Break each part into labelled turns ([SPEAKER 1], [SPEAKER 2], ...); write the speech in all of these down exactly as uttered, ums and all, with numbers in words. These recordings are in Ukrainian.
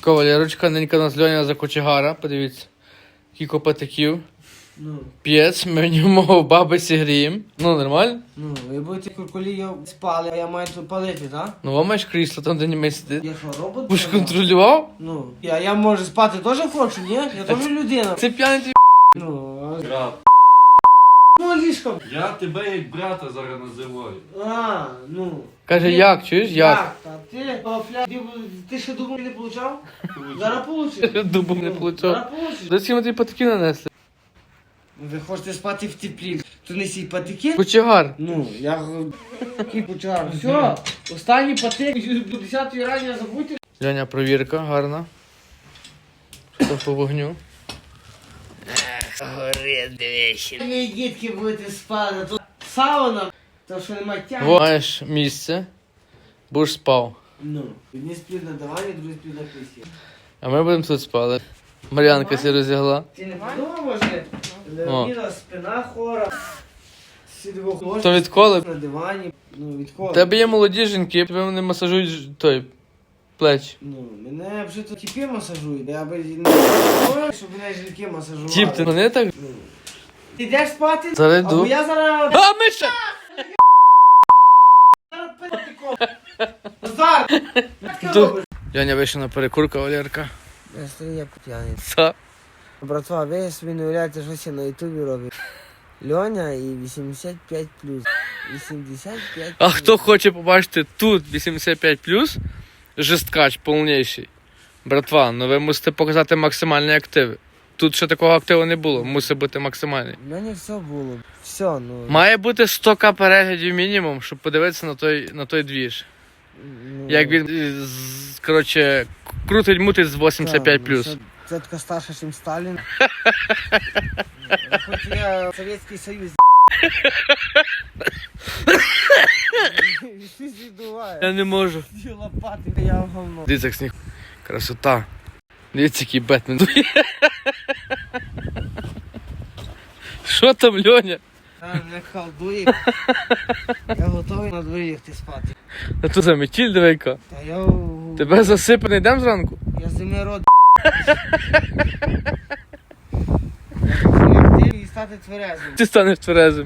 [SPEAKER 1] Кавалерочка, ненька нас Льоня за кочегара, подивіться. Кілько патиків.
[SPEAKER 2] Ну,
[SPEAKER 1] П'єць, ми в ньому бабусі гріємо. Ну, нормально?
[SPEAKER 2] ну, ви будете куркулі спали, а я маю тут палити, так?
[SPEAKER 1] Ну, вам маєш крісло, там де німей сидить.
[SPEAKER 2] Я що, робот?
[SPEAKER 1] Будеш контролював?
[SPEAKER 2] Ну, я, я може спати теж хочу, ні? Я теж людина.
[SPEAKER 1] Це п'яний твій.
[SPEAKER 2] Ну, а...
[SPEAKER 3] Брат,
[SPEAKER 2] ну, ліжко.
[SPEAKER 3] я тебе як брата зараз називаю.
[SPEAKER 2] А, ну.
[SPEAKER 1] Каже,
[SPEAKER 2] Ти-
[SPEAKER 1] як, чуєш, як?
[SPEAKER 2] Як? Та ти, Павля, ти, ти ще думав не получав? Зараз получиш.
[SPEAKER 1] Дубом не
[SPEAKER 2] Ну,
[SPEAKER 1] получав.
[SPEAKER 2] Зараз получиш.
[SPEAKER 1] До цього тобі патики нанесли.
[SPEAKER 2] Ви хочете спати в теплі, то несіть патики?
[SPEAKER 1] Кочегар.
[SPEAKER 2] Ну, я який почав. Все, останній патик, до десятої рання забудьте.
[SPEAKER 1] Льоня, провірка, гарна. Що там по вогню?
[SPEAKER 2] Горить двічі. Ви, дітки, будете спати, тут сауна, то що немає тяги.
[SPEAKER 1] Во, маєш місце, будеш спав.
[SPEAKER 2] Ну, одні сплють на дивані, другі сплють на кріслі.
[SPEAKER 1] А ми будемо тут спали. Мар'янка сі розігла.
[SPEAKER 2] Ти не подумав, може? Леоніда, спина хора. Всі двох
[SPEAKER 1] То відколи?
[SPEAKER 2] на дивані. Ну, відколи.
[SPEAKER 1] У тебе є молоді жінки, тебе вони масажують ж- той, плечі.
[SPEAKER 2] Ну, мене вже то тіпи масажують, я би не хотів, щоб мене жінки масажували.
[SPEAKER 1] Тіп, ти вони так?
[SPEAKER 2] Ну. Ти йдеш спати?
[SPEAKER 1] Зараз йду.
[SPEAKER 2] Або я зараз...
[SPEAKER 1] А, Миша!
[SPEAKER 2] Зараз питиком. Назар! Як ти
[SPEAKER 1] Ду-
[SPEAKER 2] робиш?
[SPEAKER 1] Льоня вийшов на перекурка, Валерка.
[SPEAKER 2] Я стою як п'яний.
[SPEAKER 1] Са.
[SPEAKER 2] Братва, ви собі не уявляєте, що я на ютубі роблю. Льоня і вісімдесят п'ять плюс. вісімдесят п'ять
[SPEAKER 1] А хто хоче побачити тут вісімдесят п'ять плюс, жесткач повніший. Братва, ну ви мусите показати максимальні активи. Тут ще такого активу не було, мусить бути максимальний.
[SPEAKER 2] Льоня все було. Все, ну...
[SPEAKER 1] Має бути сто ка переглядів мінімум, щоб подивитися на той, на той двіж.
[SPEAKER 2] ну,
[SPEAKER 1] Як він, е, з- коротше, крутить-мутить з вісімдесят п'ять плюс.
[SPEAKER 2] ну, Це така старша, ніж Сталін. Хоч я Совєтський Союз. Що здуває?
[SPEAKER 1] Я не можу.
[SPEAKER 2] Ці лопати, я в говно.
[SPEAKER 1] Дивіться, як сніг. Красота. Дивіться, який Бетмен. Що там, Льоня?
[SPEAKER 2] Та мене халдує. Я готовий на дворі лягти спати.
[SPEAKER 1] А тут за метіль дивейка.
[SPEAKER 2] Та я...
[SPEAKER 1] Тебе засипане, йдемо зранку?
[SPEAKER 2] Я зими род. Лягти і стати тверезим.
[SPEAKER 1] Ти станеш тверезим.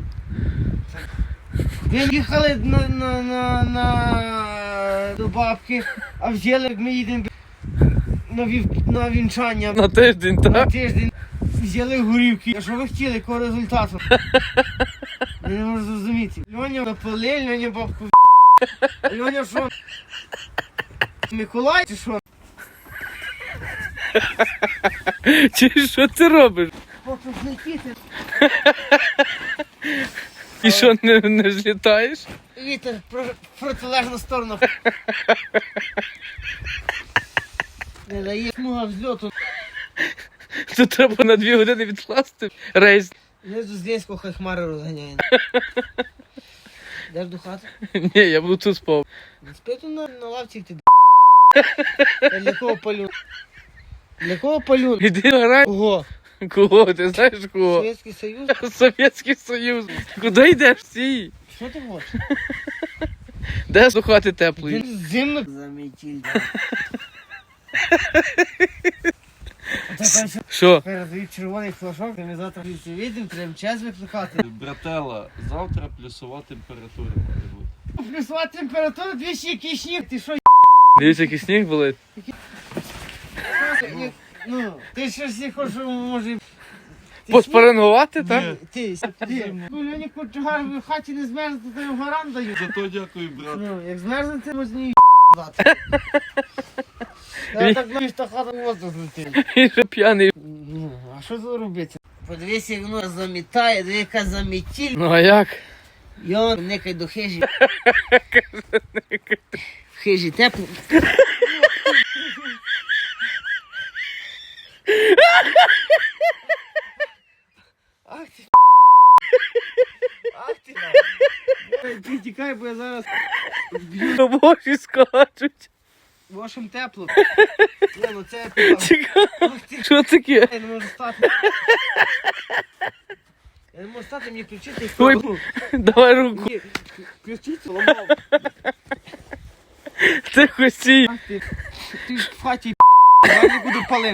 [SPEAKER 2] Ви їхали на, на, на, на, до бабки, а взяли, як ми їдемо на, вів, на вінчання
[SPEAKER 1] На тиждень,
[SPEAKER 2] на
[SPEAKER 1] так?
[SPEAKER 2] тиждень. Взяли горівки. А що ви хотіли, якого результату? Я не можу зрозуміти. Льоня напали, Льоня бабку в***. Льоня що? Миколай чи що?
[SPEAKER 1] Чи що ти робиш?
[SPEAKER 2] Поки злетіти.
[SPEAKER 1] І що, не, не злітаєш?
[SPEAKER 2] Вітер про, в протилежну сторону. Не дає смуга взльоту.
[SPEAKER 1] Тут треба на дві години відкласти рейс.
[SPEAKER 2] Знизу з Ленського хай хмари розганяє. Йдеш до хати?
[SPEAKER 1] Ні, я буду тут спав.
[SPEAKER 2] Спи тут на, на лавці, ти д***. Та для кого палю? Для кого палю?
[SPEAKER 1] Іди грай.
[SPEAKER 2] Кого?
[SPEAKER 1] Кого? Ти знаєш кого?
[SPEAKER 2] Совєтський Союз?
[SPEAKER 1] Совєтський Союз. Куди йдеш всі?
[SPEAKER 2] Що ти хочеш?
[SPEAKER 1] Де слухати теплої?
[SPEAKER 2] Він зимно замітіль.
[SPEAKER 1] Що?
[SPEAKER 2] Передають червоний флажок, ми завтра всі вийдемо, треба час викликати.
[SPEAKER 3] Братела, завтра плюсова температура має бути.
[SPEAKER 2] Плюсова температура, двічі який сніг, ти що,
[SPEAKER 1] Дивіться, який сніг болить.
[SPEAKER 2] й***? Ну, ти щось не хочеш, може... Ти
[SPEAKER 1] Поспарингувати, так?
[SPEAKER 2] сніг? Ти, ти. Ну, Льоні Кучугар в хаті не змерзне, то їм гарант дають.
[SPEAKER 3] Зато дякую, брат.
[SPEAKER 2] Ну, як змерзнете, можна її дати. Я так думаю, що хата воздух злетить.
[SPEAKER 1] І що п'яний.
[SPEAKER 2] Ну, а що тут робити? Подивися, як воно замітає, диви, яка замітіль.
[SPEAKER 1] Ну а як?
[SPEAKER 2] Йон, никай до хижі. В хижі тепло. Ах ти. Ах ти. Ти тікай, бо я зараз
[SPEAKER 1] На боші скачуть.
[SPEAKER 2] вашим тепло. Не, ну це я
[SPEAKER 1] Цікаво.
[SPEAKER 2] Ах ти.
[SPEAKER 1] Що таке?
[SPEAKER 2] Я не можу стати. Я не можу стати, мені включити.
[SPEAKER 1] Ой, давай руку.
[SPEAKER 2] Ні, включити, ламав.
[SPEAKER 1] Ти хосій.
[SPEAKER 2] Ах ти. Ти ж в хаті я не буду палив.